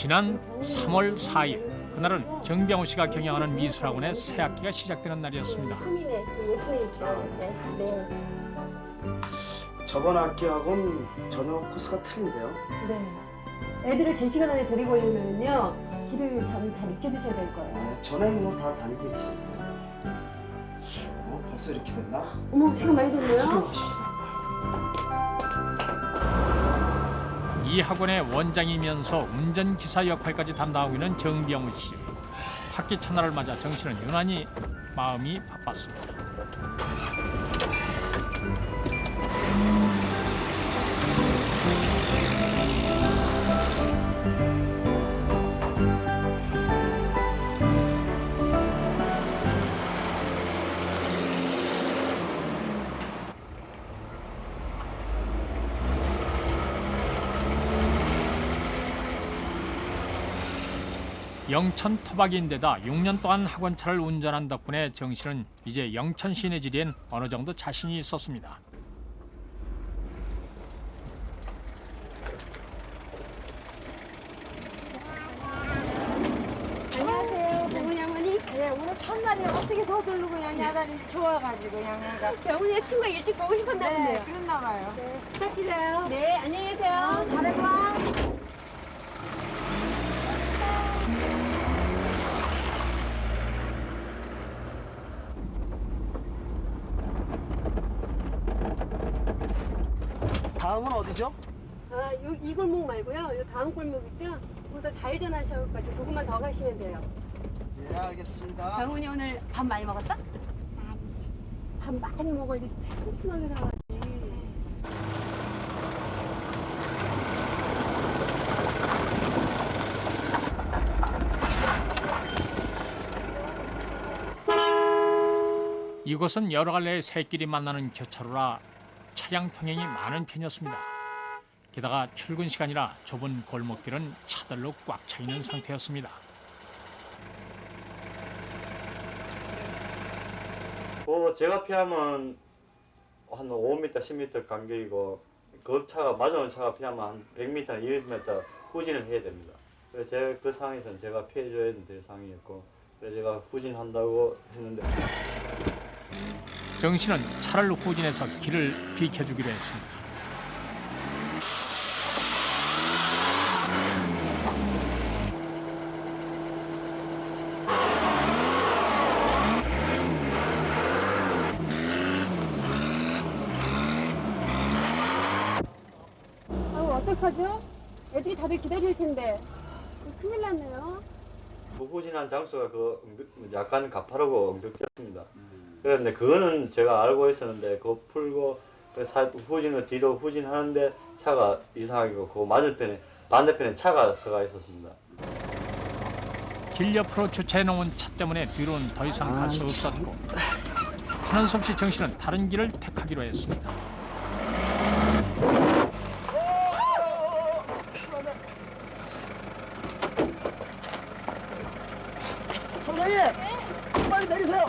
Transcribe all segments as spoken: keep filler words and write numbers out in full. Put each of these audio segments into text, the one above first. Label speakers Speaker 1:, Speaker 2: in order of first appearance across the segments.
Speaker 1: 지난 삼월 사일 그날은 정병호 씨가 경영하는 미술학원의 새 학기가 시작되는 날이었습니다.
Speaker 2: 수민의 그 예쁜 있죠. 네. 네.
Speaker 3: 저번 학기하고는 전혀 코스가 틀린데요.
Speaker 2: 네. 애들을 제 시간 안에 데리고 오려면요 길을 참 잘 익혀두셔야 될 거예요.
Speaker 3: 네, 전에는 뭐 다 다니겠지. 어, 벌써 이렇게 됐나?
Speaker 2: 어머 시간 많이 됐네요.
Speaker 3: 수고하십시다.
Speaker 1: 이 학원의 원장이면서 운전기사 역할까지 담당하고 있는 정병우 씨. 학기 첫날을 맞아 정 씨는 유난히 마음이 바빴습니다. 영천 토박이인데다 육 년 동안 학원차를 운전한 덕분에 정 씨는 이제 영천 시내 지리엔 어느 정도 자신이 있었습니다.
Speaker 2: 안녕하세요, 병훈이 어머니.
Speaker 4: 네, 오늘 첫날에 어떻게 서둘르고 그냥 야단이 좋아가지고 그냥 애가
Speaker 2: 병훈이의 친구가 일찍 보고 싶었나
Speaker 4: 네,
Speaker 2: 본데요.
Speaker 4: 그랬나 봐요. 네, 부탁드려요.
Speaker 2: 네, 안녕히 계세요.
Speaker 4: 잘해봐.
Speaker 3: 다음은 어디죠?
Speaker 2: 아, 요, 이 골목 말고요. 요 다음 골목 있죠? 거기다 좌회전하셔가지고 조금만 더 가시면 돼요.
Speaker 3: 예, 알겠습니다.
Speaker 2: 병훈이 오늘 밥 많이 먹었어? 밥 많이 먹어야지 튼튼하게 나가지.
Speaker 1: 이곳은 여러 갈래의 새끼리 만나는 교차로라 차량 통행이 많은 편이었습니다. 게다가 출근 시간이라 좁은 골목길은 차들로 꽉 차 있는 상태였습니다.
Speaker 5: 그 제가 피하면 한 오 미터, 십 미터 간격이고 그 차가 맞아오는 차가 피하면 한 백 미터, 이백 미터 후진을 해야 됩니다. 그래서 제가 그 상황에서는 제가 피해줘야 될 상황이었고 그래서 제가 후진한다고 했는데
Speaker 1: 정 씨는 차를 후진해서 길을 비켜주기로 했습니다.
Speaker 2: 아우 어떡하죠? 애들이 다들 기다릴 텐데 큰일 났네요.
Speaker 5: 그 후진한 장소가 그 엉득- 약간 가파르고 엉뚱했습니다. 그런데 그거는 제가 알고 있었는데 그거 풀고 그 사- 후진을 뒤로 후진하는데 차가 이상하게 그 맞은편에 반대편에 차가 서가 있었습니다.
Speaker 1: 길 옆으로 주차해 놓은 차 때문에 뒤로는 더 이상 갈 수 없었고 하는 수 없이 정 씨는 다른 길을 택하기로 했습니다.
Speaker 3: 선생님! 빨리 내리세요!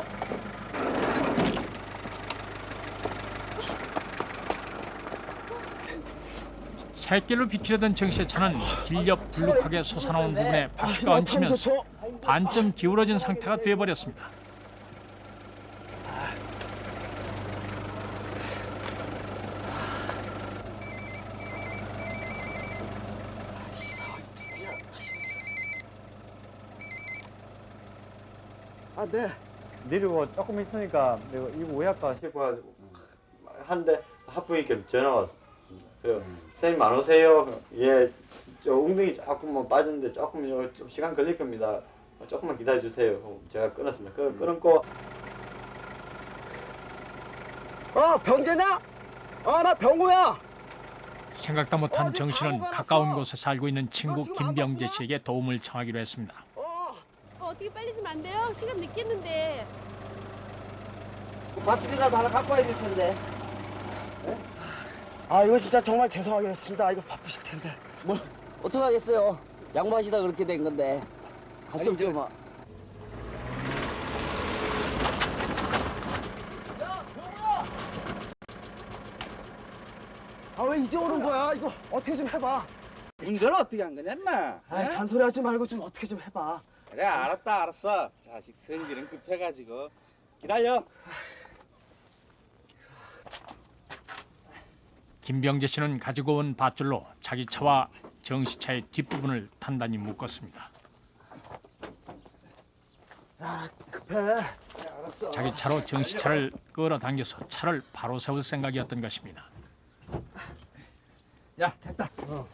Speaker 1: 새길로 비키려던 정 씨의 차는 길 옆 불룩하게 솟아나온 부분에 바퀴가 얹히면서 반쯤 기울어진 상태가 되어버렸습니다.
Speaker 3: 아, 네.
Speaker 5: 내리고 조금 있으니까 내가 이거 왜 할까 싶어가지고 한데 하프니까 전화 왔어. 그래요. 선생님 안 오세요? 예, 저 웅덩이 조금만 빠졌는데 조금 좀 시간 걸릴 겁니다. 조금만 기다려 주세요. 제가 끊었습니다. 그 끊었고
Speaker 3: 어, 병재냐? 어, 나 병구야!
Speaker 1: 생각도 못한 정 씨는 가까운 곳에 살고 있는 친구 김병재 씨에게 도움을 청하기로 했습니다.
Speaker 3: 어,
Speaker 2: 어, 어떻게 빨리 좀 안 돼요? 시간 늦겠는데.
Speaker 6: 밧줄이라도 하나 갖고 와야 될 텐데.
Speaker 3: 아, 이거 진짜 정말 죄송하겠습니다. 이거 바쁘실 텐데.
Speaker 6: 뭐 어떡하겠어요. 양보하시다 그렇게 된 건데. 할 수
Speaker 3: 아니,
Speaker 6: 없죠
Speaker 3: 저-
Speaker 6: 뭐.
Speaker 3: 아, 왜 이제 오는 거야? 이거 어떻게 좀 해봐.
Speaker 7: 운전을 어떻게 한 거냐 인마?
Speaker 3: 아, 잔소리 하지 말고 좀 어떻게 좀 해봐.
Speaker 7: 그래 알았다 알았어. 자식 성질은 급해가지고 기다려.
Speaker 1: 김병재 씨는 가지고 온 밧줄로 자기 차와 정 씨 차의 뒷부분을 단단히 묶었습니다.
Speaker 3: 급해. 네, 알았어.
Speaker 1: 자기 차로 정 씨 차를 끌어당겨서 차를 바로 세울 생각이었던 것입니다.
Speaker 7: 야 됐다.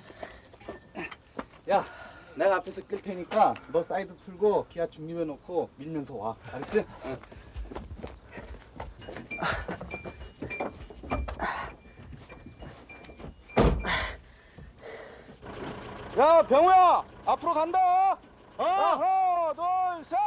Speaker 7: 야 내가 앞에서 끌 테니까 너 사이드 풀고 기아 중립해 놓고 밀면서 와. 알았지? 야 병우야 앞으로 간다. 어. 하나 둘 셋.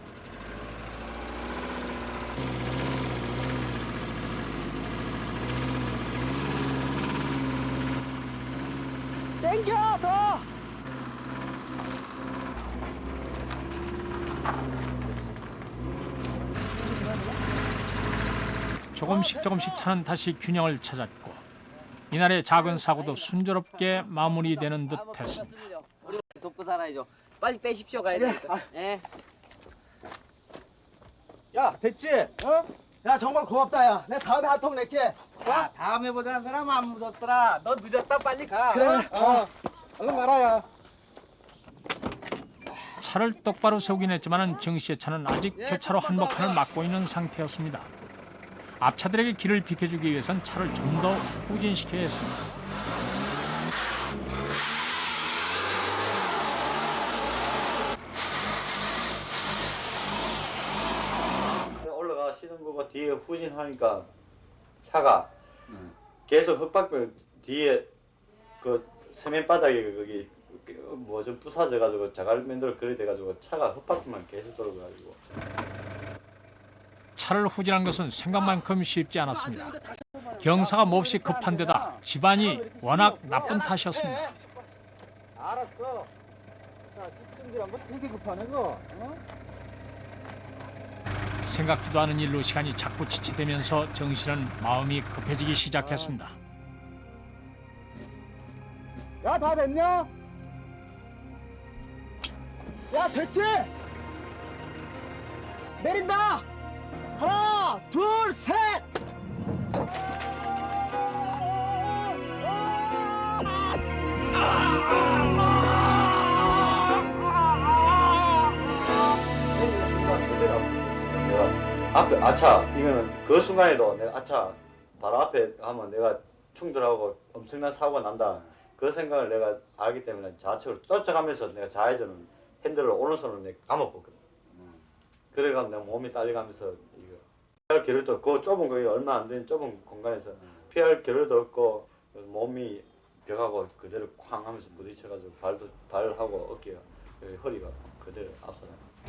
Speaker 3: 땡겨 더.
Speaker 1: 조금씩 조금씩 차는 다시 균형을 찾았고 이날의 작은 사고도 순조롭게 마무리되는 듯했습니다.
Speaker 6: 우리 돕고 살아야죠. 빨리 빼십시오 가야 되니까. 예.
Speaker 7: 야 됐지? 어?
Speaker 3: 야 정말 고맙다 야. 내가 다음에 한 통 낼게.
Speaker 7: 야 다음에 보자는 사람 안 무섭더라. 너 늦었다 빨리 가.
Speaker 3: 그래.
Speaker 7: 어. 얼른 가라 야.
Speaker 1: 차를 똑바로 세우긴 했지만 정 씨의 차는 아직 교차로 한복판을 막고 있는 상태였습니다. 앞차들에게 길을 비켜주기 위해선 차를 좀 더 후진시켜야 했습니다.
Speaker 5: 올라가시는 거가 뒤에 후진하니까 차가 계속 흙밖에 뒤에 그 세면 바닥에 거기 뭐 좀 부사져 가지고 자갈면들 그래 돼 가지고 차가 흙밖에만 계속 돌아가지고
Speaker 1: 차를 후진한 것은 생각만큼 쉽지 않았습니다. 경사가 몹시 급한 데다 집안이 워낙 나쁜 탓이었습니다.
Speaker 7: 알았어. 자 직승질한 거 되게 급하네 그거. 어?
Speaker 1: 생각지도 않은 일로 시간이 자꾸 지체되면서 정 씨는 마음이 급해지기 시작했습니다.
Speaker 7: 야 다 됐냐?
Speaker 3: 야 됐지? 내린다. 하나 둘 셋.
Speaker 5: 내가 앞에 아차 이거는 그 순간에도 내가 아차 바로 앞에 하면 내가 충돌하고 엄청난 사고가 난다 그 생각을 내가 알기 때문에 좌측으로 쫓아가면서 내가 좌회전을 핸들을 오른손으로 내가 감아봤거든. 그래가 내가 몸이 딸려가면서 이거 피할 겨를도 그 좁은 거기 얼마 안 되는 좁은 공간에서 피할 겨를도 없고 몸이 벽하고 그대로 쾅 하면서 부딪혀가지고 발도 발하고 어깨가 여기 허리가 그대로 앞서나.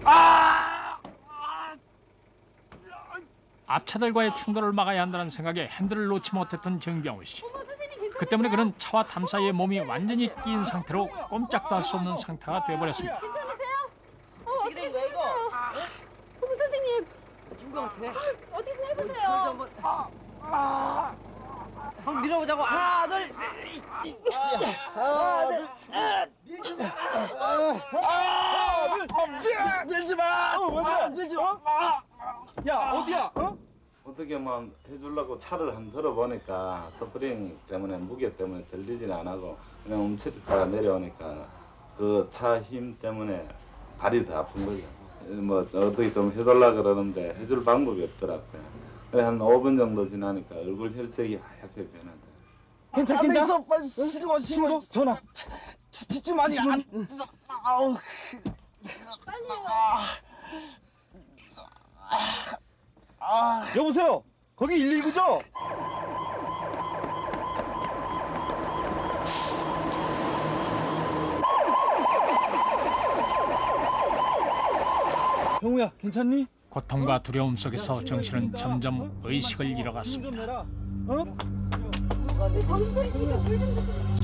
Speaker 1: 앞차들과의 충돌을 막아야 한다는 생각에 핸들을 놓지 못했던 정병우 씨. 그 때문에 그는 차와 담 사이에 몸이 완전히 끼인 상태로 꼼짝도 할 수 없는 상태가 되어버렸습니다.
Speaker 2: 괜찮으세요? 어, 어떻게
Speaker 6: 된 거야, 이거?
Speaker 2: 됐어요? 어머 선생님
Speaker 6: 김병태.
Speaker 2: 어디 좀 해보세요.
Speaker 6: 한번 밀어보자고. 하나 둘. 하나 둘.
Speaker 3: 밀지 마. 아, 밀지 마.
Speaker 7: 야 어디야? 어?
Speaker 8: 어떻게 뭐 해주려고 차를 한 들어보니까 스프링 때문에 무게 때문에 들리진 안 하고 그냥 움츠렸다가 내려오니까 그 차 힘 때문에 발이 더 아픈 거죠. 뭐 어떻게 좀 해달라 그러는데 해줄 방법이 없더라고요. 그래 한 오 분 정도 지나니까 얼굴 혈색이 하얗게 변하더라고요.
Speaker 7: 괜찮
Speaker 3: 안돼
Speaker 7: 괜찮.
Speaker 3: 있어 빨리 신고 신고.
Speaker 7: 전화.
Speaker 3: 뒷좀 많이 안. 아우.
Speaker 7: 여보세요. 거기 일일구죠? 병우야 괜찮니?
Speaker 1: 고통과 두려움 속에서 정 씨는 점점 의식을 잃어갔습니다.
Speaker 7: 좀 내라. 어?
Speaker 2: 정신 차리시니까 물좀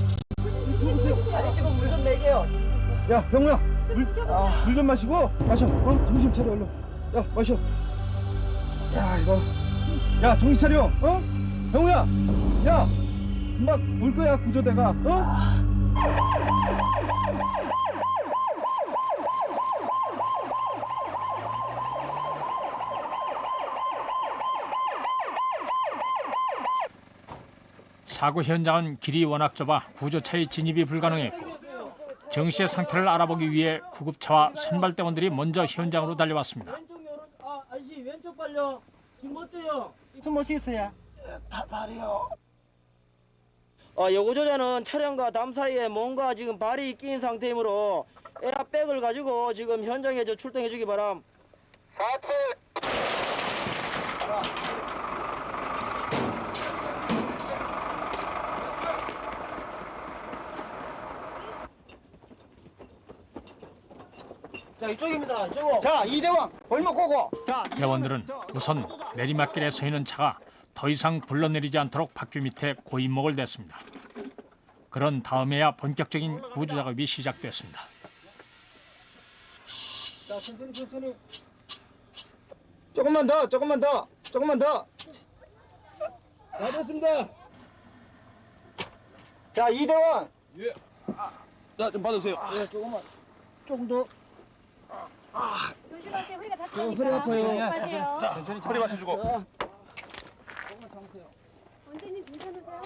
Speaker 6: 아저씨가 물좀 내게요.
Speaker 7: 야 병우야 물 좀 마시고 마셔. 어? 정신 차려 얼른. 야 마셔. 야 이거. 야 정신 차려. 어? 병우야. 야 금방 올 거야 구조대가. 어?
Speaker 1: 사고 현장은 길이 워낙 좁아 구조차의 진입이 불가능했고 정 씨의 상태를 알아보기 위해 구급차와 선발대원들이 먼저 현장으로 달려왔습니다.
Speaker 9: 왼쪽 요런 아 아저씨 왼쪽 발요 지금 어때요?
Speaker 3: 숨 못 쉬겠어요.
Speaker 9: 어, 여고조자는 차량과 담 사이에 뭔가 지금 발이 끼인 상태이므로 에어백을 가지고 지금 현장에 저 출동해 주기 바람. 자 이쪽입니다. 이쪽.
Speaker 3: 자, 이대왕 골목 고고. 자,
Speaker 1: 대원들은 우선 내리막길에 서 있는 차가 더 이상 굴러내리지 않도록 바퀴 밑에 고인목을 댔습니다. 그런 다음에야 본격적인 구조 작업이 시작됐습니다.
Speaker 3: 자, 천천히 천천히. 조금만 더, 조금만 더, 조금만 더.
Speaker 9: 다 됐습니다.
Speaker 3: 자, 이대왕.
Speaker 7: 자좀 받으세요.
Speaker 9: 네, 조금만. 조금 더.
Speaker 2: 조심하세요. 허리가
Speaker 9: 허리
Speaker 2: 다치니까.
Speaker 9: 아파요.
Speaker 2: 조심하세요.
Speaker 3: 천천히 허리 맞춰주고.
Speaker 9: 자,
Speaker 2: 원장님 괜찮으세요?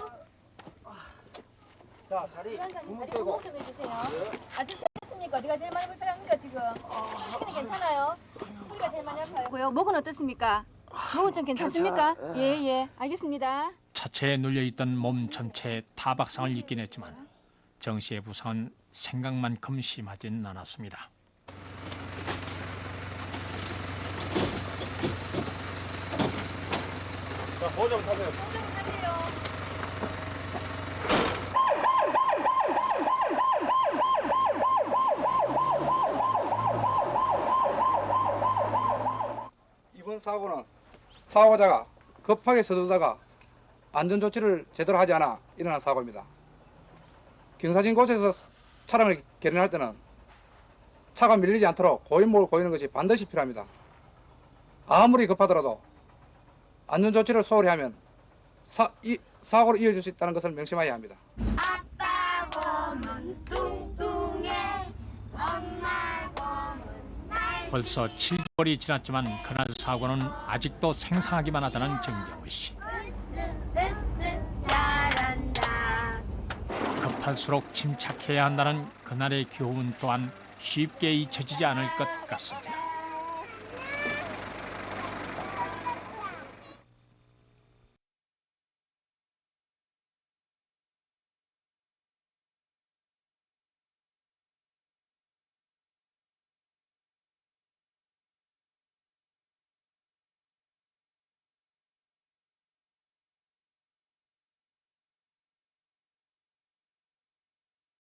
Speaker 3: 자, 다리
Speaker 10: 위원장님
Speaker 3: 구멍
Speaker 10: 다리
Speaker 3: 떼고.
Speaker 10: 구멍 좀 해주세요. 아저씨 어떻습니까? 어디가 제일 많이 불편합니까 지금? 휴식은 괜찮아요? 소리가 제일 많이 아파요. 목은 어떻습니까? 목은 좀 괜찮습니까? 예예 알겠습니다.
Speaker 1: 차체에 눌려있던 몸 전체에 타박상을 입긴 했지만 정 씨의 부상은 생각만큼 심하진 않았습니다.
Speaker 7: 자 보호자 타세요.
Speaker 10: 공정 타세요.
Speaker 11: 이번 사고는 사고자가 급하게 서두르다가 안전조치를 제대로 하지 않아 일어난 사고입니다. 경사진 곳에서 차량을 개련할 때는 차가 밀리지 않도록 고인목을 고이는 것이 반드시 필요합니다. 아무리 급하더라도 안전조치를 소홀히 하면 사, 이, 사고로 이어질 수 있다는 것을 명심해야 합니다.
Speaker 2: 아빠 곰은 뚱뚱해. 엄마 곰은 날.
Speaker 1: 벌써 칠 개월이 지났지만 그날 사고는 아직도 생생하기만 하다는 정경우 씨.
Speaker 2: 으쓱 잘한다.
Speaker 1: 급할수록 침착해야 한다는 그날의 교훈 또한 쉽게 잊혀지지 않을 것 같습니다.